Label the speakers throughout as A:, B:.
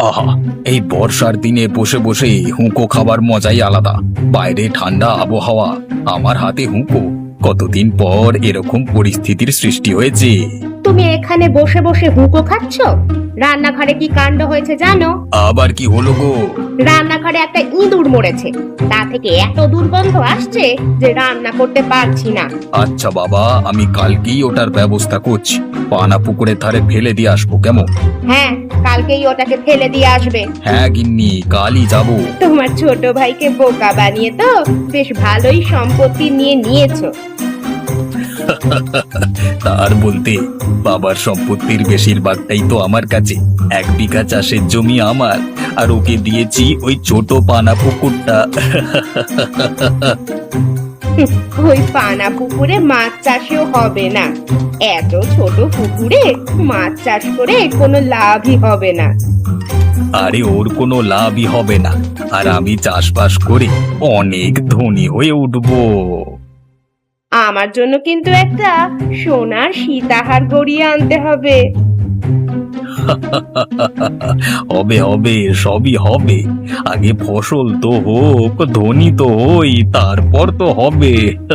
A: আহা, এই বর্ষার দিনে বসে বসে হুঁকো খাবার মজাই আলাদা। বাইরে ঠান্ডা আবহাওয়া, আমার হাতে হুঁকো। কতদিন পর এরকম পরিস্থিতির সৃষ্টি হয়েছে।
B: তুমি এখানে বসে বসে হুঁকো খাচ্ছ? রান্নাঘরে কি কাণ্ড হয়েছে জানো?
A: আবার কি হলো গো?
B: রান্নাঘরে একটা ইঁদুর মরেছে। তা থেকে এত দুর্গন্ধ আসছে যে রান্না করতে পারছি না।
A: আচ্ছা বাবা, আমি কালকেই ওটার ব্যবস্থা করছি। পানা পুকুরের ধারে ফেলে দিয়ে আসবো, কেমন?
B: হ্যাঁ, কালকেই ওটাকে ফেলে দিয়ে আসবে।
A: হ্যাঁ গিন্নি, কালই যাবো।
B: তোমার ছোট ভাইকে বোকা বানিয়ে তো বেশ ভালোই সম্পত্তি নিয়ে নিয়েছো।
A: তার বলতে, বাবার সম্পত্তির বেশিরভাগটাই তো আমার কাছে। 1 বিঘা চাষের জমি আমার, আর ওকে দিয়েছি ওই ছোট পানা পুকুরটা।
B: ওই পানা পুকুরে মাছ চাষেও হবে না। এত ছোট পুকুরে মাছ চাষ করে কোনো লাভই হবে না।
A: আরে ওর কোনো লাভই হবে না, আর আমি চাষবাস করে অনেক ধনী হয়ে উঠবো।
B: আমার জন্য কিন্তু একটা সোনার সীতাহার গড়িয়ে আনতে হবে।
A: হবে হবে, সবই হবে। আগে ফসল তো হোক, ধনী তো হই, তারপর তো হবে।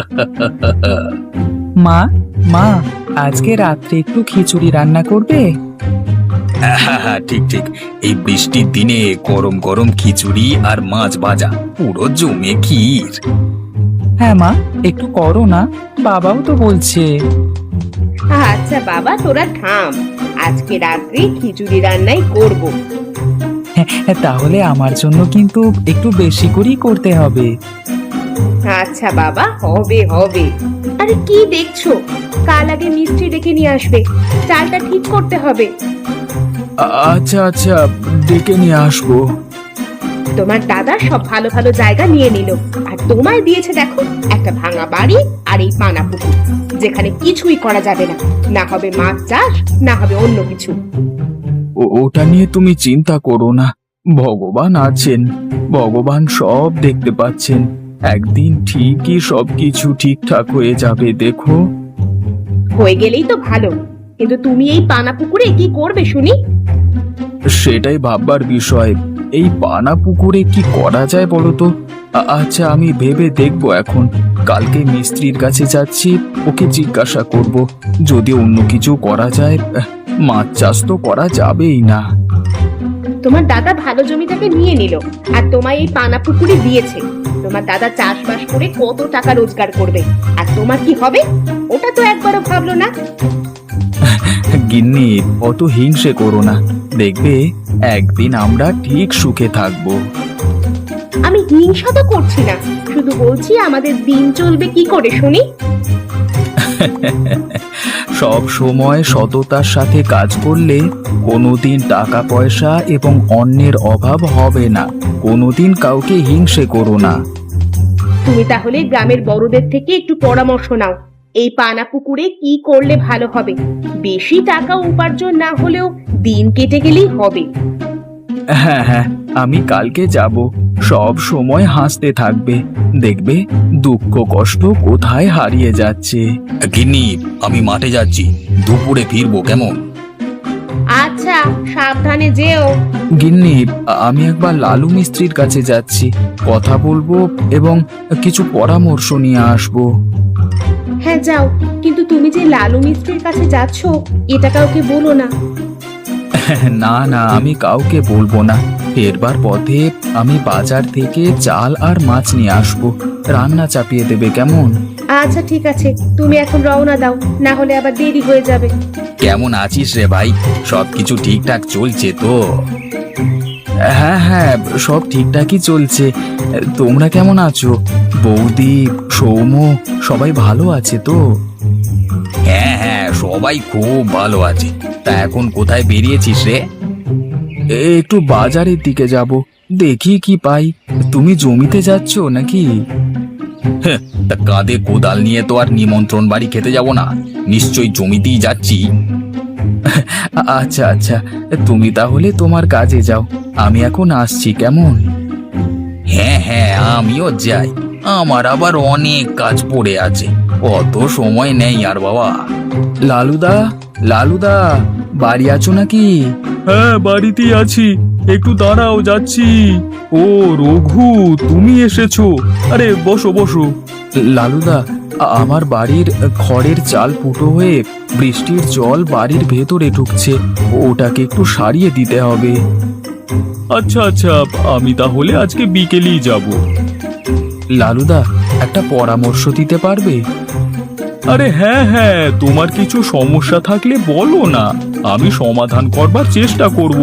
C: মা মা আজকে রাত্রে একটু খিচুড়ি রান্না করবে?
A: হ্যাঁ হ্যাঁ, ঠিক ঠিক। এই বৃষ্টির দিনে গরম গরম খিচুড়ি আর মাছ ভাজা, পুরো জমে ক্ষীর।
C: হ্যাঁ মা, একটু করো না, বাবাও তো বলছে।
B: আচ্ছা বাবা, তোরা থাম। আজকে রাত্রে খিচুড়ি রান্নাই করব।
C: হ্যাঁ, তাহলে আমার জন্য কিন্তু একটু বেশি করেই করতে হবে।
B: আচ্ছা বাবা, হবে হবে। আরে কি দেখছো? কাল আগে মিস্ত্রি ডেকে নিয়ে আসবে। চালটা ঠিক করতে হবে।
C: আচ্ছা আচ্ছা, ডেকে নিয়ে আসবো।
B: তোমার দাদা সব ভালো ভালো জায়গা নিয়ে নিল, আর তোমায় দিয়েছে দেখো একটা ভাঙা বাড়ি আর এই পানা পুকুর, যেখানে কিছুই করা যাবে না। না হবে মাছ চাষ, না হবে অন্য কিছু।
C: ওটা নিয়ে তুমি চিন্তা করো না, ভগবান আছেন, ভগবান সব দেখতে পাচ্ছেন। একদিন ঠিকই সবকিছু ঠিকঠাক হয়ে যাবে, দেখো।
B: হয়ে গেলেই তো ভালো, কিন্তু তুমি এই পানা পুকুরে কি করবে শুনি?
C: সেটাই ভাববার বিষয়। এই পানা পুকুরে কি করা যায় বলো তো? আচ্ছা, আমি ভেবে দেখবো এখন। কালকে মিস্ত্রির কাছে যাচ্ছি, ওকে জিজ্ঞাসা করব। যদি অন্য কিছু করা যায়, মাছ চাষ তো করা যাবেই না।
B: তোমার দাদা ভালো জমিটাকে নিয়ে নিল, আর তোমায় এই পানা পুকুরে দিয়েছে। তোমার দাদা চাষবাস করে কত টাকা রোজগার করবে, আর তোমার কি হবে ওটা তো একবারও ভাবলো না।
C: গিন্নি, অত হিংসে করো না, দেখবে একদিন আমরা ঠিক সুখে থাকবো।
B: আমি হিংসা তো করছি না, শুধু বলছি আমাদের দিন চলবে কি করে শুনি।
C: সব সময় সততার সাথে কাজ করলে কোনোদিন টাকা পয়সা এবং অন্যের অভাব হবে না। কোনোদিন কাউকে হিংসে করো না।
B: তুমি তাহলে গ্রামের বড়দের থেকে একটু পরামর্শ নাও, এই পানা পুকুরে কি করলে ভালো হবে। বেশি টাকা উপার্জন না হলেও দিন কেটে গেলেই হবে।
C: হ্যাঁ হ্যাঁ, আমি কালকে যাব। সব সময় হাসতে থাকবে, দেখবে দুঃখ কষ্ট কোথায় হারিয়ে যাচ্ছে।
A: গিন্নি, আমি মাঠে যাচ্ছি, দুপুরে ফিরবো, কেমন?
B: আচ্ছা, সাবধানে যেও।
C: গিন্নি, আমি একবার লালু মিস্ত্রির কাছে যাচ্ছি, কথা বলবো এবং কিছু পরামর্শ নিয়ে আসবো।
B: হ্যাঁ যাও, কিন্তু তুমি যে লালু মিস্ত্রির কাছে যাচ্ছ এটা কাউকে বলো না।
C: না না, আমি কাউকে বলবো না। ফেরবার পথে আমি বাজার থেকে চাল আর মাছ নিয়ে আসবো, রান্না চাপিয়ে দেবে, কেমন?
B: আচ্ছা ঠিক আছে, তুমি এখন রওনা দাও, না হলে আবার দেরি হয়ে যাবে।
A: কেমন আছিস রে ভাই? সবকিছু ঠিকঠাক চলছে তো?
C: হ্যাঁ হ্যাঁ, সব ঠিকঠাকই চলছে। তোমরা কেমন আছো? বৌদি, সৌম্য, সবাই ভালো আছে তো?
A: হ্যাঁ হ্যাঁ, সবাই খুব ভালো আছে। তা এখন কোথায় বেরিয়েছিস রে?
C: একটু বাজারের দিকে যাব, দেখি কি পাই। তুমি জমিতে যাচ্ছ নাকি?
A: হ্যাঁ, তা কাঁধে কোদাল নিয়ে তো আর নিমন্ত্রণ বাড়ি খেতে যাব না, নিশ্চয়ই জমিতেই যাচ্ছি।
C: আচ্ছা আচ্ছা, তুমি তাহলে তোমার কাজে যাও, আমি এখন আসছি, কেমন?
A: হ্যাঁ হ্যাঁ, আমিও যাই, আমার আবার অনেক কাজ পড়ে আছে, অত সময় নেই আর বাবা।
C: লালুদা, লালুদা, বাড়ি আছো নাকি? হ্যাঁ, বাড়িতেই আছি। একটু দাঁড়াও, যাচ্ছি। ও রঘু, তুমি এসেছো? আরে বসো বসো। লালুদা, আমার বাড়ির খড়ের চাল ফুটো হয়ে বৃষ্টির জল বাড়ির ভেতরে ঢুকছে, ওটাকে একটু সারিয়ে দিতে হবে। আচ্ছা আচ্ছা, আমি তাহলে আজকে বিকেলেই যাব। লালুদা, একটা পরামর্শ দিতে পারবে? আরে হ্যাঁ হ্যাঁ, তোমার কিছু সমস্যা থাকলে বলো না, আমি সমাধান করবার চেষ্টা করব।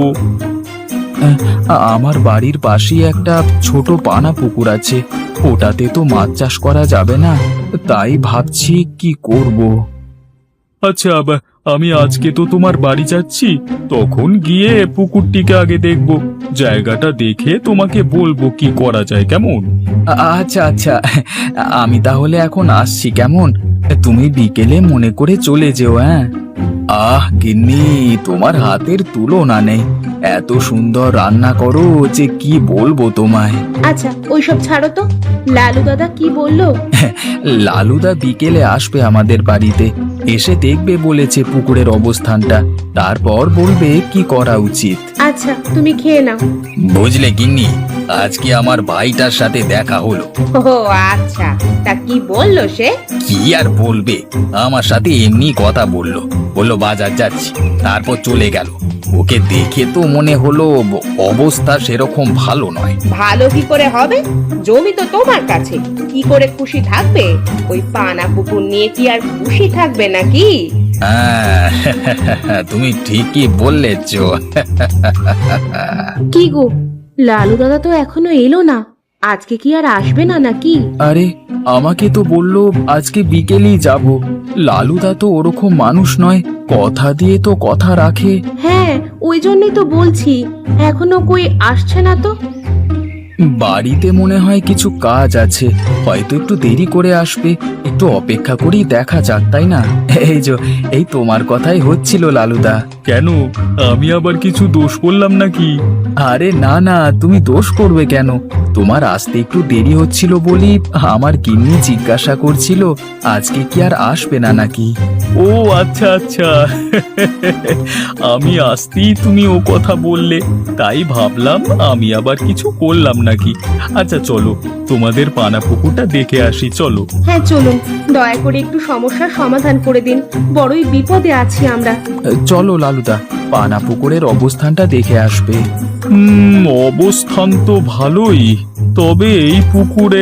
C: আমার বাড়ির পাশেই একটা ছোট পানা পুকুর আছে, ওটাতে তো মাছ চাষ করা যাবে না, তাই ভাবছি কি করব। আচ্ছা, আমি আজকে তো তোমার বাড়ি যাচ্ছি, তখন গিয়ে পুকুরটিকে আগে দেখব, জায়গাটা দেখে তোমাকে বলবো কি করা যায়, কেমন? আচ্ছা আচ্ছা, আমি তাহলে এখন আসছি, কেমন? তুমি বিকেলে মনে করে চলে যেও। হ্যাঁ। আহ গিন্নি, তোমার হাতের তুলনা নেই, এত সুন্দর রান্না করো যে কি বলবো তোমায়।
B: আচ্ছা ওইসব ছাড়ো তো, লালু দাদা কি বললো?
C: লালুদা বিকেলে আসবে আমাদের বাড়িতে, এসে দেখবে বলেছে পুকুরের অবস্থানটা, তারপর বলবে কি করা উচিত।
B: আচ্ছা তুমি খেয়ে নাও।
A: বুঝলে গিন্নি, আজকে আমার ভাইটার সাথে দেখা হলো।
B: ও আচ্ছা, তা কি বললো সে?
A: কি আর বলবে, আমার সাথে এমনি কথা বললো, বললো বাজার যাচ্ছি, তারপর চলে গেল। ওকে দেখে তো মনে হলো অবস্থা সেরকম ভালো নয়।
B: ভালো কি করে হবে? জমি তো তোমার কাছে, কি করে খুশি থাকবে? ওই পানা পুকুর নিয়ে কি আর খুশি থাকবে নাকি?
A: হ্যাঁ, তুমি ঠিকই বললেছ।
B: কি গো, লালু দাদা তো এখনো এলো না, আজকে কি আর আসবে না নাকি?
C: আরে, আমাকে তো বললো আজকে বিকেলেই যাব। লালুদা তো ওরকম মানুষ নয়, কথা দিয়ে তো কথা রাখে।
B: হ্যাঁ, ওই জন্যই তো বলছি, এখনো কই আসছে না তো।
C: বাড়িতে মনে হয় কিছু কাজ আছে, হয়তো একটু দেরি করে আসবে, একটু অপেক্ষা করেই দেখা যাক, তাই না? এই তোমার কথাই হচ্ছিল লালুদা। কেন, আমি আবার কিছু দোষ করলাম নাকি? আরে না না, তুমি দোষ করবে কেন? তোমার আসতে একটু দেরি হচ্ছিল বলি আমার গিন্নি জিজ্ঞাসা করছিল আজকে কি আর আসবে না নাকি। ও আচ্ছা আচ্ছা, আমি আসতেই তুমি ও কথা বললে, তাই ভাবলাম আমি আবার কিছু করলাম নাকি। আচ্ছা চলো, তোমাদের পানা পুকুরটা দেখে আসি, চলো।
B: হ্যাঁ চলুন, দয়া করে একটু সমস্যার সমাধান করে দিন, বড়ই বিপদে আছি আমরা।
C: চলো লালুদা, পানা পুকুরের অবস্থানটা দেখে আসবে। অবস্থান তো ভালোই, তবে এই পুকুরে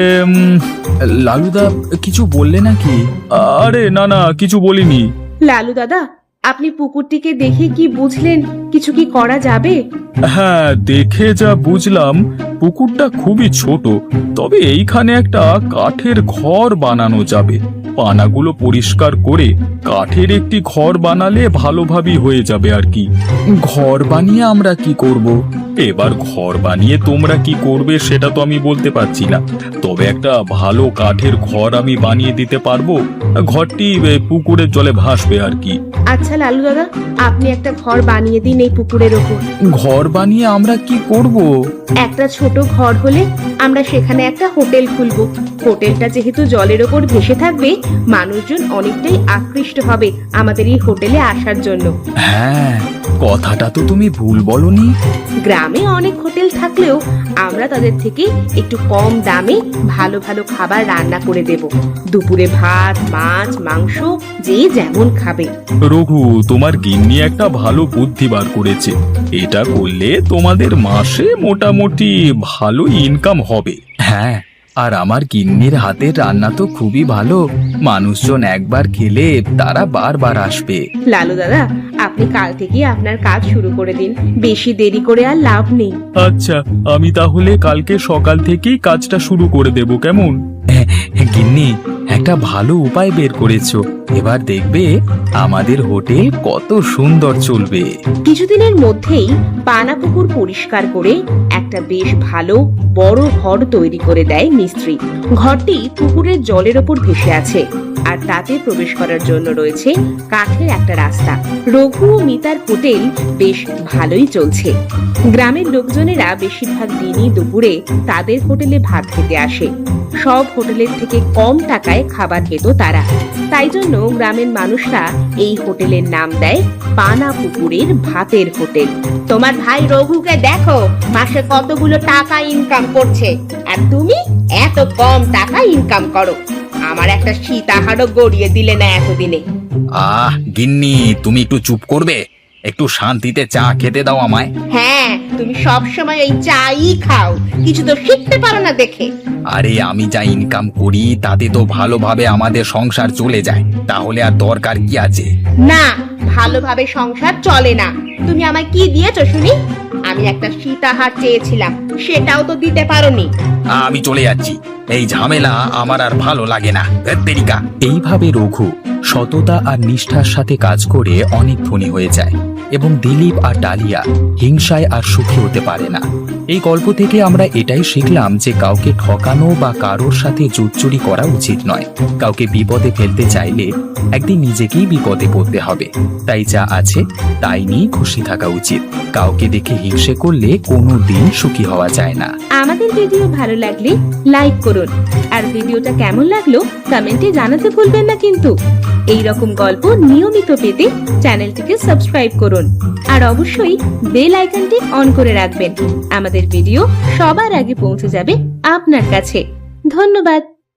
C: লালুদা কিছু বললে নাকি? আরে না না, কিছু বলিনি।
B: লালু দাদা, আপনি পুকুরটিকে দেখে কি বুঝলেন? কিছু কি করা যাবে?
C: হ্যাঁ, দেখে যা বুঝলাম পুকুরটা খুবই ছোট, তবে এইখানে একটা কাঠের ঘর বানানো যাবে। পানাগুলো পরিষ্কার করে কাঠের একটি ঘর বানালে ভালোভাবেই হয়ে যাবে আর কি। ঘর বানিয়ে আমরা কি করব? এবার ঘর বানিয়ে তোমরা কি করবে সেটা তো আমি বলতে পারছি না, তবে একটা ভালো কাঠের ঘর আমি বানিয়ে দিতে পারবো, ঘরটি পুকুরের জলে ভাসবে আর কি।
B: আচ্ছা লালু দাদা, আপনি একটা ঘর বানিয়ে দিন এই পুকুরের ওপর।
C: ঘর বানিয়ে আমরা কি করব?
B: একটা ছোট ঘর হলে আমরা সেখানে একটা হোটেল খুলবো। হোটেলটা যেহেতু জলের ওপর ভেসে থাকবে, মানুষজন অনেকটাই আকৃষ্ট হবে আমাদের এই হোটেলে আসার জন্য।
C: হ্যাঁ, কথাটা তো তুমি ভুল বলনি।
B: গ্রামে অনেক হোটেল থাকলেও আমরা তাদের থেকে একটু কম দামে ভালো ভালো খাবার রান্না করে দেব। দুপুরে ভাত, মাছ, মাংস যে যেমন খাবে।
C: রঘু, তোমার গিন্নি একটা ভালো বুদ্ধি বার করেছে, এটা করলে তোমাদের মাসে মোটামুটি ভালো ইনকাম হবে। হ্যাঁ, আর আমার গিন্নির হাতের রান্না তো খুবই ভালো, মানুষজন একবার খেলে তারা বারবার আসবে।
B: লালু দাদা, আপনি কাল থেকে আপনার কাজ শুরু করে দিন, বেশি দেরি করে আর লাভ নেই।
C: আচ্ছা, আমি তাহলে কালকে সকাল থেকেই কাজটা শুরু করে দেব, কেমন? গিন্নি, একটা ভালো উপায় বের করেছো, এবার দেখবে আমাদের হোটেল কত সুন্দর চলবে।
B: কিছুদিনের মধ্যেই পানা পুকুর পরিষ্কার করে একটা বেশ ভালো বড় ঘর তৈরি করে দেয় মিস্ত্রি। ঘরটি পুকুরের জলের ওপর ভেসে আছে। আর তাতে প্রবেশ করার জন্য রয়েছে কাঠের একটা রাস্তা। রঘু ও মিতার হোটেল বেশ ভালোই চলছে। গ্রামের লোকজনেরা বেশিরভাগ দিনই দুপুরে তাদের হোটেলে ভাত খেতে আসে। সব হোটেলের থেকে কম টাকায় খাবার খেত তারা। তাই জন্য গ্রামের মানুষরা এই হোটেলের নাম দেয় পানা পুকুরের ভাতের হোটেল। তোমার ভাই রঘুকে দেখো মাসে কতগুলো টাকা ইনকাম করছে, আর তুমি এত কম টাকা ইনকাম করো। আমার একটা সীতাহারও গড়িয়ে দিলে না এতদিনে।
A: গিন্নি, তুমি একটু চুপ করবে? একটু শান্তিতে চা খেতে দাও আমায়।
B: হ্যাঁ, তুমি সব সময় এই চাই খাও, কিছু তো শিখতে পারো না দেখে।
A: আরে আমি যা ইনকাম করি তাতে তো ভালোভাবে আমাদের সংসার চলে যায়, তাহলে আর দরকার কি আছে?
B: না, ভালোভাবে সংসার চলে না। তুমি আমায় কি দিয়েছো শুনি? আমি একটা সীতাহার চেয়েছিলাম, সেটাও তো দিতে পারোনি।
A: আমি চলে যাচ্ছি, এই ঝামেলা আমার আর ভালো লাগে না। তেরিকা।
C: এইভাবে রঘু সততা আর নিষ্ঠার সাথে কাজ করে অনেক ধনী হয়ে যায় এবং দিলীপ আর ডালিয়া হিংসায় আর সুখী হতে পারে না। এই গল্প থেকে আমরা এটাই শিখলাম যে কাউকে ঠকানো বা কারোর সাথে জুটচুরি করা উচিত নয়। কাউকে বিপদে ফেলতে চাইলে একদিন নিজেকেই বিপদে পড়তে হবে। তাই যা আছে তাই নিয়ে খুশি থাকা উচিত। কাউকে দেখে হিংসে করলে কোনো দিন সুখী হওয়া যায় না।
B: আমাদের ভিডিও ভালো লাগলে লাইক করুন, আর ভিডিওটা কেমন লাগলো কমেন্টে জানাতে ভুলবেন না কিন্তু। এই রকম গল্প নিয়মিত পেতে চ্যানেলটিকে সাবস্ক্রাইব করুন, আর অবশ্যই বেল আইকনটি অন করে রাখবেন। আমাদের ভিডিও সবার আগে পৌঁছে যাবে আপনার কাছে। ধন্যবাদ।